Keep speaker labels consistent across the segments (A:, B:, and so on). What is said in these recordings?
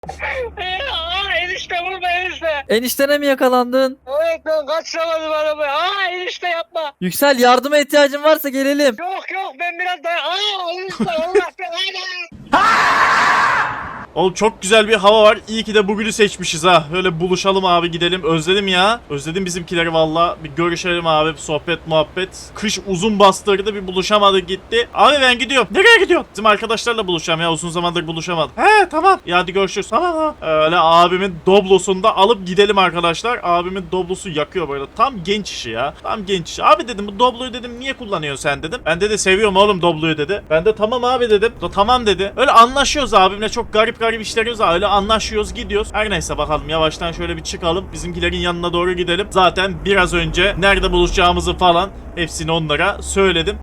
A: Enişte vurma enişte.
B: Eniştene mi yakalandın?
A: Evet ben kaçıramadım arabayı. Enişte yapma.
B: Yüksel, yardıma ihtiyacın varsa gelelim.
A: Yok ben biraz daha. Enişte Allah belanı.
C: Oğlum çok güzel bir hava var. İyi ki de bugünü seçmişiz ha. Öyle buluşalım abi, gidelim. Özledim ya. Özledim bizimkileri valla. Bir görüşelim abi. Sohbet muhabbet. Kış uzun bastırdı, bir buluşamadık gitti. Abi ben gidiyorum. Nereye gidiyorsun? Bizim arkadaşlarla buluşacağım ya. Uzun zamandır buluşamadık. He tamam. Ya hadi görüşürüz. Tamam. Öyle abimin doblosunu da alıp gidelim arkadaşlar. Abimin doblosu yakıyor böyle. Tam genç işi ya. Tam genç işi. Abi dedim bu dobloyu dedim niye kullanıyorsun sen dedim. Ben de seviyorum oğlum dobloyu dedi. Ben de tamam abi dedim. Tamam dedi. Öyle anlaşıyoruz abimle, çok garip işlerimiz var. Öyle anlaşıyoruz, gidiyoruz. Her neyse bakalım, yavaştan şöyle bir çıkalım. Bizimkilerin yanına doğru gidelim. Zaten biraz önce nerede buluşacağımızı falan hepsini onlara söyledim.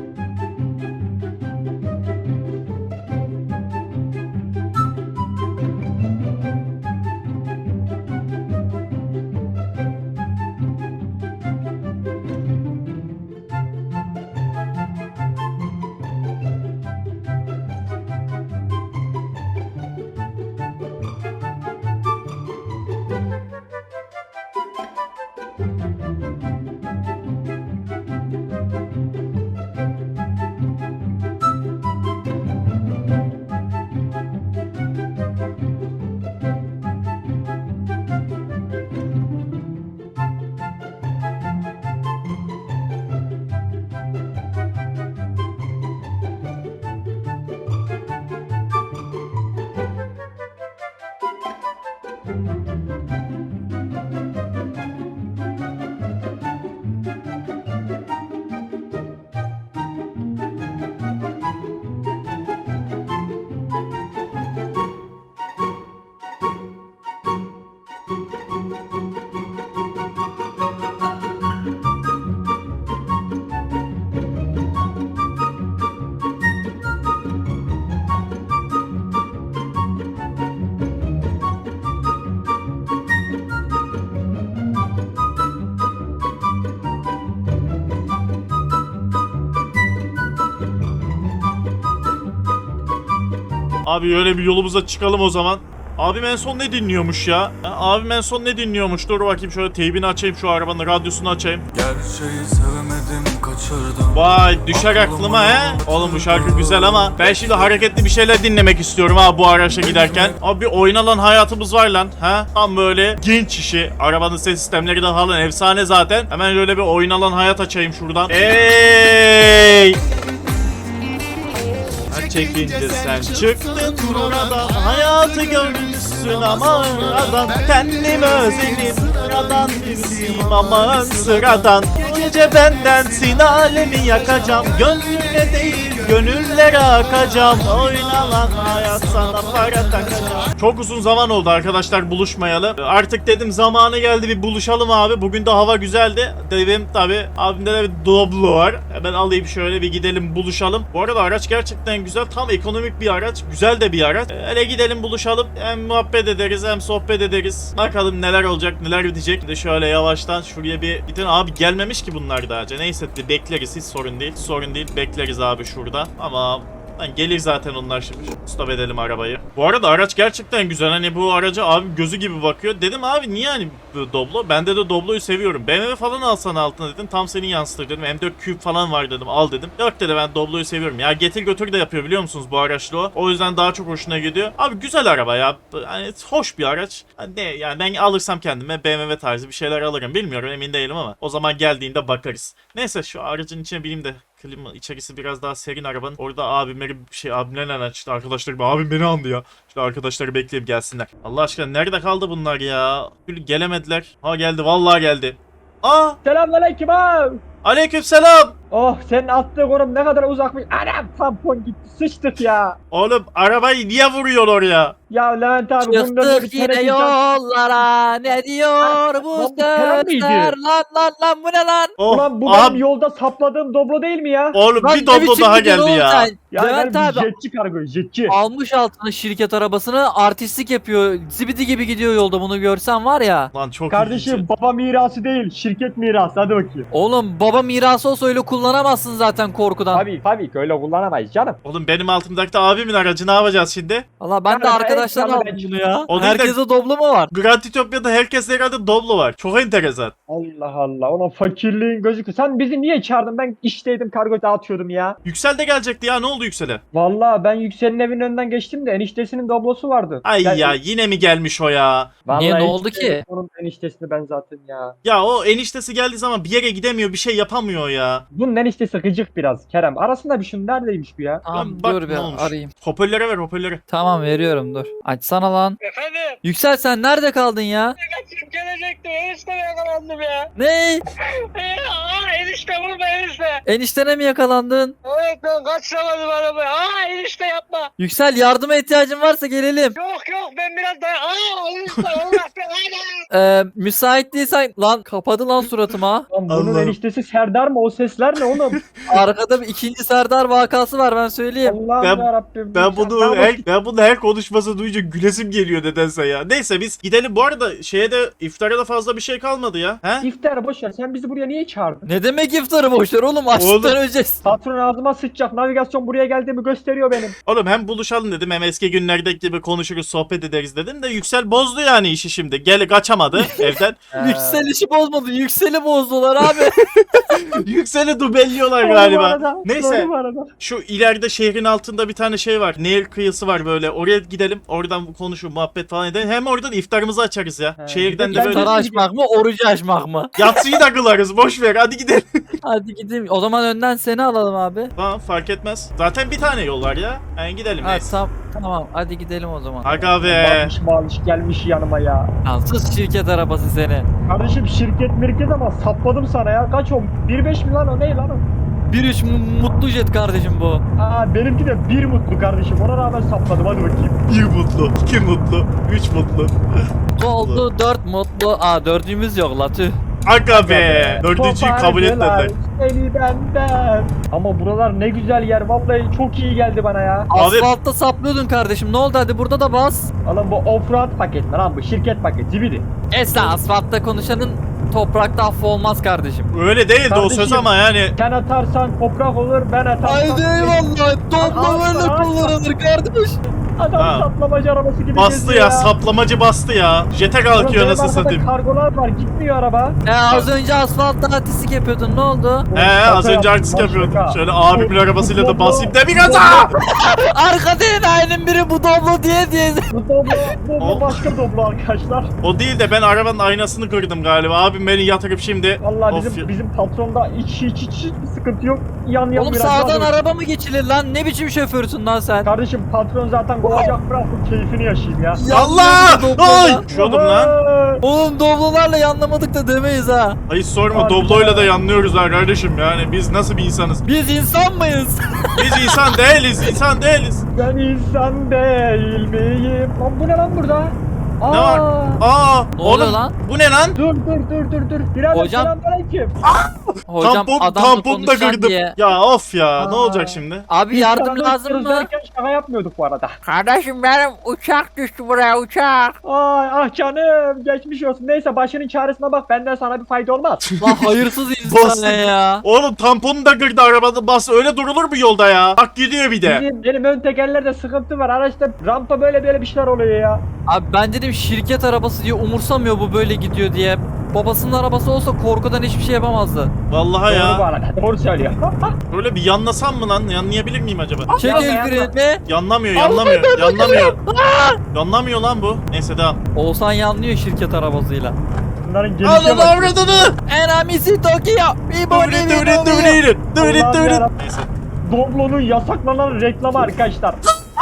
C: Abi öyle bir yolumuza çıkalım o zaman. Abim en son ne dinliyormuş ya? Abim en son ne dinliyormuş? Dur bakayım, şöyle teybini açayım, şu arabanın radyosunu açayım.
D: Gerçeği sevemedim, kaçırdım.
C: Vay düşer aklıma he. Oğlum bu şarkı güzel ama ben şimdi hareketli bir şeyler dinlemek istiyorum ha bu araçla giderken. Abi bir oynanan hayatımız var lan. Ha? Tam böyle genç işi. Arabanın ses sistemleri de falan efsane zaten. Hemen öyle bir oynanan hayat açayım şuradan. Hey! Çekince sen çıktın burada, hayatı görmüşsün ama sıradan. Kendimi özledim, sıradan birisiyim ama sıradan. Gece bendensin, alemi yakacağım. Gönlüne değil gönüllere akacağım. Oynanan hayat sana para takacağım. Çok uzun zaman oldu arkadaşlar buluşmayalı. Artık dedim zamanı geldi, bir buluşalım abi. Bugün de hava güzeldi. Dedim tabi abimde de bir Doblo var. Hemen alayım şöyle bir gidelim buluşalım. Bu arada araç gerçekten güzel. Tam ekonomik bir araç. Güzel de bir araç. Hele gidelim buluşalım. Hem muhabbet ederiz hem sohbet ederiz. Bakalım neler olacak, neler bitecek. Bir de şöyle yavaştan şuraya bir gidin. Abi gelmemiş ki bunlar daha önce. Neyse bekleriz, hiç sorun değil. Sorun değil, bekleriz abi şurada. Ama gelir zaten onlar şimdi. Stop edelim arabayı. Bu arada araç gerçekten güzel. Hani bu araca abi gözü gibi bakıyor. Dedim abi niye hani Doblo? Ben de Doblo'yu seviyorum. BMW falan alsan altına dedim. Tam senin yansıtır dedim. M4 Cube falan var dedim. Al dedim. Yok dedi, ben Doblo'yu seviyorum. Ya getir götür de yapıyor biliyor musunuz bu araçla o. O yüzden daha çok hoşuna gidiyor. Abi güzel araba ya. Hani hoş bir araç. Hani yani ben alırsam kendime BMW tarzı bir şeyler alırım. Bilmiyorum, emin değilim ama o zaman geldiğinde bakarız. Neyse şu aracın içine bineyim de. Klima içerisi biraz daha serin arabanın. Orada abimle açtı arkadaşlar. Abim beni andı ya. İşte arkadaşları bekleyip gelsinler. Allah aşkına nerede kaldı bunlar ya? Gelemediler. Ha geldi, vallahi geldi. Aa!
E: Selamünaleyküm abi.
C: Aleykümselam.
E: Oh, senin attığın konum ne kadar uzakmış. Anam, tampon gitti, sıçtık ya.
C: Oğlum arabayı niye vuruyor oraya?
E: Ya Levent abi bunun önünde
B: Çıktık
E: bir
B: yine
E: teneke
B: yollara, ne diyor bu
E: Lan bu Kerem miydi?
B: sözler? Lan bu ne lan?
C: Oh,
E: Ulan bu
C: aha,
E: benim yolda sapladığım Doblo değil mi ya?
C: oğlum
B: Lan
C: bir
B: ne
C: Doblo
B: biçim
C: daha
B: gidiyorsun
C: geldi
B: oğlum
C: ya.
B: sen?
E: Ya
B: Levent
E: ben
B: abi
E: jetçi kargo, jetçi.
B: almış altına şirket arabasını, artistlik yapıyor. Zibidi gibi gidiyor yolda, bunu görsen var ya.
C: Lan çok
E: Kardeşim
C: ilginç.
E: baba mirası değil, şirket mirası, hadi bakayım.
B: Oğlum baba mirası olsa öyle kullanır kullanamazsın zaten korkudan.
E: Tabii ki öyle kullanamayız canım.
C: Oğlum benim altımdaki de abimin aracı, ne yapacağız şimdi?
B: Valla ben de
E: Ben
B: arkadaşlar
E: ekranı
B: aldım
E: ben-
B: bunu ya.
C: O değil de-
B: Herkese Doblo mu var?
C: Gratitopya'da herkeste herhalde Doblo var. Çok enteresan.
E: Allah Allah, ona fakirliğin gözüküyor. Sen bizi niye çağırdın? Ben işteydim, kargo dağıtıyordum ya.
C: Yüksel de gelecekti ya, ne oldu Yüksel'e?
E: Vallahi ben Yüksel'in evinin önünden geçtim de eniştesinin Doblosu vardı.
C: Ay
E: Gel-
C: ya, yine mi gelmiş o ya?
E: Vallahi
B: Niye, ne
E: hiç
B: oldu ki?
E: Onun eniştesini ben zaten ya.
C: Ya o eniştesi geldiği zaman bir yere gidemiyor, bir şey yapamıyor ya.
E: Bunun eniştesi gıcık biraz Kerem. Arasında bir şun neredeymiş bu ya?
B: Tamam
C: Bak
B: dur
C: ne
B: bir
C: olmuş.
B: arayayım.
C: Hoparlöre ver, hoparlöre.
B: Tamam veriyorum dur. Açsana lan.
A: Efendim?
B: Yüksel sen nerede kaldın ya?
A: Kaçıp gelecektim. Enişte yakalandım ya.
B: Ne?
A: Enişte vurma enişte.
B: Eniştene mi yakalandın?
A: Evet ben kaçıramadım arabayı. Enişte yapma.
B: Yüksel yardıma ihtiyacın varsa gelelim.
A: Yok ben biraz daha. Enişte Allah belanı.
B: Müsait değilsen lan kapadı lan suratıma.
E: Lan bunun
C: Allah'ım.
E: eniştesi Serdar mı? O sesler ne oğlum?
B: Arkada bir ikinci Serdar vakası var ben söyleyeyim.
E: Allah'ım
C: Ben-
E: yarabbim.
C: Ben bunu her konuşması duyunca gülesim geliyor nedense ya. Neyse biz gidelim. Bu arada şeye de, iftara da fazla bir şey kalmadı ya. He?
E: İftar boş ver. Sen bizi buraya niye çağırdın?
B: Ne demek iftarı boşver oğlum açlıktan
C: Oğlum.
B: öleceğiz.
E: Patron ağzıma sıçacak. Navigasyon buraya geldiğimi gösteriyor benim.
C: Oğlum hem buluşalım dedim, hem eski günlerdeki gibi konuşuruz, sohbet ederiz dedim de Yüksel bozdu yani işi şimdi. Kaçamadı evden.
B: Yüksel işi bozmadı. Yüksel'i bozdular abi.
C: Yüksel'i dubelliyorlar
E: Doğru bu
C: galiba.
E: arada,
C: Neyse.
E: doğru bu arada.
C: Şu ileride şehrin altında bir tane şey var. Nehir kıyısı var böyle. Oraya gidelim. Oradan konuşup muhabbet falan edelim. Hem oradan iftarımızı açarız ya.
E: He,
C: Şehirden
E: bir
C: de
E: de
C: böyle
B: İftarı açmak mı orucu açmak mı?
C: yatsıyı da kılarız. Boş ver. Hadi gidelim.
B: Hadi gidelim. O zaman önden seni alalım abi.
C: Tamam, fark etmez. Zaten bir tane yol var ya. Yani gidelim.
B: Ha,
C: Neyse.
B: tamam hadi gidelim o zaman.
C: Aga be.
E: Bağış bağış gelmiş yanıma ya.
B: Yansız şirket arabası seni.
E: Kardeşim şirket mirket ama sapladım sana ya. Kaç o? 1.5 mi lan o? Ne lan o?
B: 1-3 mutlu jet kardeşim bu.
E: Benimki de 1 mutlu kardeşim. Ona rağmen sapladım. Hadi bakayım.
C: 1 mutlu, 2 mutlu, 3 mutlu.
B: Oldu 4 mutlu. Dördüncümüz yok la tüh.
C: Aga be. Dördüncüyü kabul etmediler.
E: Seni benden. Ama buralar ne güzel yer. Vallahi çok iyi geldi bana ya.
C: Abi-
B: Asfaltta saplıyordun kardeşim. Ne oldu hadi burada da bas.
E: Alın bu offroad paket mi lan bu? Şirket paketi. Zibidi.
B: Esra asfaltta konuşanın toprakta affı olmaz kardeşim.
C: Öyle değildi o söz
E: Kardeşim.
C: ama yani.
E: Sen atarsan toprak olur. Ben atarsam...
B: Haydi eyvallah. Topla
E: Asla,
B: böyle
E: asla.
B: kullanılır kardeş.
E: Adam
C: Ha.
E: saplamacı arabası gibi
C: Bastı
E: geziyor
C: ya, saplamacı bastı ya. Jete
E: Ulan
C: kalkıyor
E: benim
C: nasıl
E: arkada
C: satayım.
E: Kargolar var. Gitmiyor araba.
B: Az önce asfaltta artistik yapıyordun ne oldu?
C: Az önce artist yapıyordum. Şöyle abimin arabasıyla da basayım da bir gaza.
B: Arkada enayinin biri bu doblo diye.
E: Bu doblo başka doblo arkadaşlar.
C: O değil de ben arabanın aynasını kırdım galiba. Abim beni yatırıp şimdi.
E: Vallahi
C: Of ya.
E: bizim patronda hiç bir sıkıntı yok. Yan
B: Oğlum
E: biraz
B: sağdan
E: daha-
B: araba mı geçilir lan? Ne biçim şoförsün lan sen?
E: Kardeşim patron zaten kovacak, bırak bu keyfini yaşayayım ya.
C: Allah!
B: Doblo'da.
C: Ay! Düşüyordum lan.
B: Oğlum doblolarla yanlamadık da demeyiz ha.
C: Hayır sorma,
E: Abi
C: Doblo'yla da
E: ya.
C: yanlıyoruz ha kardeşim, yani biz nasıl bir insanız?
B: Biz insan mıyız?
C: Biz insan değiliz, insan değiliz.
E: Ben insan değil miyim? Lan bu ne lan burada?
C: Ne var? Aa!
B: Ne oluyor
C: oğlum,
B: lan?
C: bu ne lan?
E: Dur. Birader
B: Hocam-
E: selamünaleyküm.
B: Hocam adamla
C: tamponu da
B: konuşacağım
C: kırdım.
B: diye.
C: Ya of ya, ne
E: Aa.
C: olacak şimdi?
B: Abi
E: Biz
B: yardım
E: sana
B: lazım
E: istiyoruz
B: mı?
E: derken şaka yapmıyorduk bu arada.
A: Kardeşim benim uçak düştü buraya uçak.
E: Ay ah canım geçmiş olsun. Neyse başının çaresine bak, benden sana bir fayda olmaz.
B: Lan hayırsız
C: Bastı.
B: insan ne ya?
C: Oğlum tamponu da kırdı arabada, bas öyle durulur mu yolda ya? Bak gidiyor bir de.
E: Benim ön tekerlerde sıkıntı var. Araçta rampa böyle bir şeyler oluyor ya.
B: Abi ben dedim şirket arabası diye umursamıyor bu böyle gidiyor diye. Babasının arabası olsa korkudan hiçbir şey yapamazdı.
C: Vallahi
E: Doğru bu
C: ya.
E: arada. Doğru söylüyor.
C: Böyle bir yanlasam mı lan? Yanlayabilir miyim acaba?
B: Çek
E: Yapma,
B: el
E: yapma.
B: frenini.
C: Yanlamıyor. Yanlamıyor lan bu. Neyse devam.
B: Oğuzhan yanlıyor şirket arabasıyla.
E: Bunların gelişe
C: Alın
E: bak.
C: avradını.
B: Enamisi Tokyo. Bir
C: Dövrit dövrit dövrit dövrit
E: Allah'ım
C: dövrit.
E: yarabbim.
C: Neyse.
E: Doblo'nun yasaklanan reklamı arkadaşlar.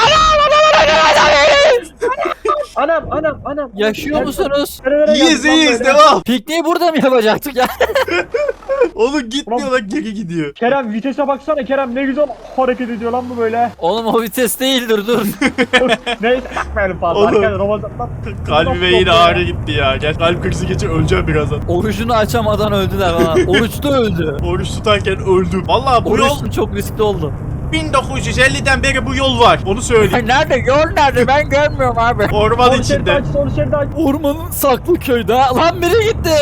E: Anam.
B: Yaşıyor musunuz?
E: Nerelere
C: İyiyiz
E: geldik lan
C: iyiyiz,
E: böyle?
C: devam.
B: Pikniği burada mı yapacaktık ya?
C: Oğlum gitmiyor lan, geri gidiyor.
E: Kerem vitese baksana, Kerem ne güzel hareket ediyor lan bu böyle.
B: Oğlum o vites değildir dur.
E: Neyse bakmayalım fazla.
C: Oğlum.
E: Arkadaşlar Ramazan'dan.
C: Kalbime yine ağrı gitti ya. Gel, kalp krizi geçe öleceğim birazdan.
B: Orucunu açamadan öldüler falan. Oruçta öldü.
C: Oruç tutarken öldüm. Vallahi bu yol
B: Oruç çok riskli oldu.
C: 1950'den beri bu yol var. Onu söyleyeyim.
B: Nerede? Yol nerede? Ben görmüyorum abi.
C: Orman
E: Sol şeridi
C: içinde.
E: aç, sol şeridi aç.
B: Ormanın saklı köyde. Lan biri gitti.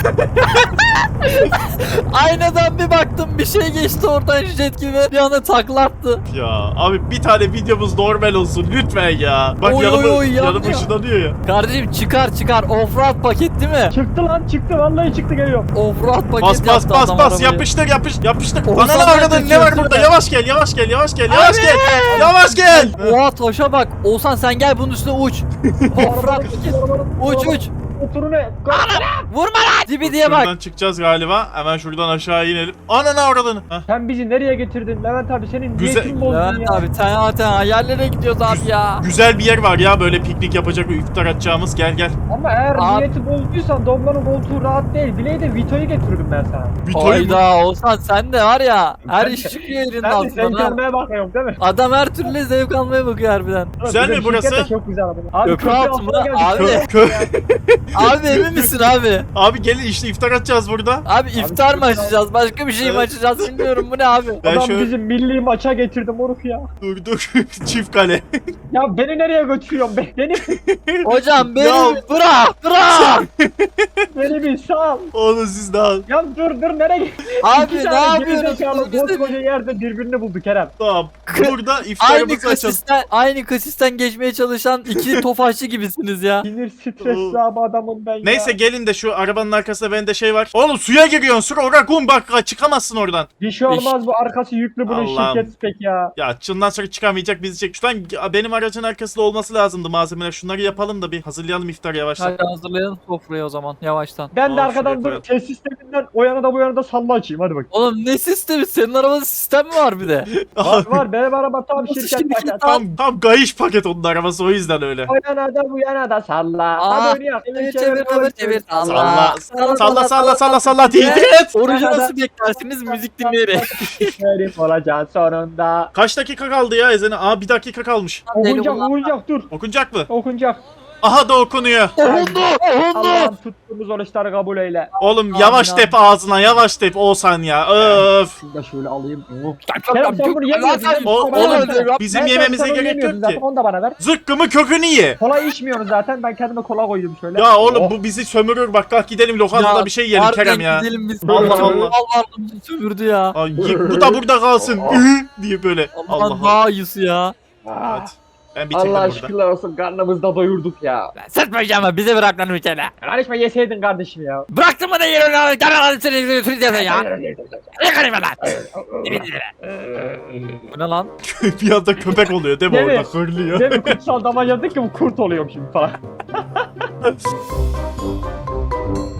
B: Aynadan bir baktım bir şey geçti oradan jet gibi. Bir anda taklattı.
C: Ya abi bir tane videomuz normal olsun lütfen ya. Bak
B: Oy,
C: yanıma,
B: oy, oy,
C: yanıma
B: yanıyor.
C: ışınlanıyor ya.
B: Kardeşim çıkar offroad paket değil mi?
E: Çıktı lan çıktı vallahi çıktı geliyor.
B: Offroad paket
C: Bas bas
B: yaptı
C: bas
B: adam
C: bas
B: arabayı.
C: yapıştır.
B: Oğuzhan
C: Ananı
B: ben
C: avradın ne
B: kaçıyorum,
C: var burada?
B: süper.
C: Yavaş gel. Yavaş gel.
B: Oha taşa bak. Oğuzhan sen gel bunun üstüne uç. Offroad paket. Uç.
E: Motoru ne?
B: Vurma lan. Dibi diye bak.
C: Şuradan çıkacağız galiba. Hemen şuradan aşağı inelim. Ananı avradını. Heh.
E: Sen bizi nereye getirdin Levent abi senin
C: Güzel-
E: niyetin bozdun
B: Levent
E: ya.
B: abi sen hayallere gidiyoruz abi ya.
C: Güzel bir yer var ya böyle piknik yapacak, iftar atacağımız. Gel.
E: Ama eğer
B: Abi-
E: niyeti bozduysan Doblo'nun koltuğu rahat değil. Bileği de Vito'yu getirdim ben sana.
C: Vito'yu mu?
B: Hayda Oğuzhan sen de var ya. Her iş çıkıyor elinin
E: Ben de
B: altından.
E: sen
B: ha.
E: gelmeye bakıyorum değil mi?
B: Adam her türlü zevk almaya bakıyor harbiden.
C: Güzel mi
E: Bizim
C: burası?
E: şirket de çok güzel abi. Abi
B: Köprü
E: köprü
B: altı
E: altına
B: mı?
E: geldik.
B: Abi. Abi emin misin abi?
C: Abi gelin işte iftar atacağız burada.
B: Abi iftar mı açacağız? Başka bir şey mi
C: Evet.
B: açacağız bilmiyorum. Bu ne abi?
C: Ben
E: Adam
C: şöyle-
E: bizim milli maça getirdi moruk ya.
C: Dur. Çift kale.
E: Ya beni nereye götürüyorsun? Beni
B: Hocam
C: Ya-
B: beni bırak.
E: beni bir sal.
C: Oğlum siz daha
E: Ya dur nereye gidiyorsun?
B: Abi
E: İki
B: ne
E: tane
B: yapıyorsunuz?
E: gerizekalı
B: Biz de-
E: koskoca yerde birbirini buldu Kerem.
C: tamam. Burada
B: Aynı
C: iftarımızı açalım.
B: aynı kasisten geçmeye çalışan iki tofaşçı gibisiniz ya.
E: Sinir stresli abi adamım ben ya.
C: Neyse gelin de şu arabanın arkasında bende şey var. Oğlum suya giriyorsun. Sur ora kum bak çıkamazsın oradan.
E: Bir şey olmaz bu arkası yüklü bunun
C: Allah'ım.
E: şirketi pek ya.
C: Ya çından sonra çıkamayacak bizi çek. Şuradan benim aracın arkasında olması lazımdı malzemeler. Şunları yapalım da bir hazırlayalım iftarı yavaştan.
B: Hadi hazırlayalım sofrayı o zaman yavaştan.
E: Ben de
C: Al,
E: arkadan
C: şuraya
E: dur ses sisteminden o yana da bu yana da salla açayım hadi bak.
B: Oğlum ne sistemi? Senin arabada sistem mi var bir de?
E: Var benim araba tam
B: Nasıl
E: şirket
B: şimdi
E: paket.
C: tam gayiş paket onun arabası o yüzden öyle.
E: O yana da bu yana da salla.
B: Aa,
E: Hadi oynayalım.
B: çevir.
C: Salla değil.
B: Orucu nasıl beklersiniz müzik dinleyerek?
E: Herif olacaksın sonunda.
C: Kaç dakika kaldı ya ezene? Aa 1 dakika kalmış.
E: Okunacak dur.
C: Okunacak mı?
E: Okunacak.
C: Aha da okunuyor.
B: Okundu.
E: Allah'ım tuttuğumuz oruçları kabul eyle.
C: Oğlum yavaş
B: Amin,
C: tep ağzına yavaş tep Oğuzhan ya. Öf.
E: Şunu da şöyle alayım. Kerem sen bunu yemiyorsun değil mi?
C: O-
E: Bana
C: oğlum,
E: versene.
C: bizim
E: Ben
C: yememize
E: sen onu
C: gerek
E: yemiyordun
C: yok
E: zaten,
C: ki.
E: onu da bana ver.
C: Zıkkımı kökünü ye.
E: Kola içmiyorsun zaten ben kendime kola koydum şöyle.
C: Ya oğlum
E: Oh.
C: bu bizi sömürür. Bak kalk gidelim lokantada bir şey yiyelim Kerem ya.
B: Gidelim biz.
C: Allah Allah.
B: Allah bizi sömürdü ya.
C: Ay, bu da burada kalsın. diye böyle. Allah
B: Allah'ın
C: Allah.
B: daha iyisi ya.
E: Ah,
C: Evet. Ben bitirdim
E: Allah
C: burada.
E: şükürler olsun karnımızı da doyurduk ya.
B: Sıtmayacağım ama bize bırak lan ülkene.
E: Karışma yeseydin kardeşim ya.
B: Bıraktın mı da yeri lan? Gel seni süreceğiz ya. Ne karışma lan? Bu ne lan?
C: bir anda köpek oluyor değil mi
E: Değil mi?
C: orada hırlıyor.
E: Değil mi kutsal damacadık ki bu kurt oluyorum şimdi falan.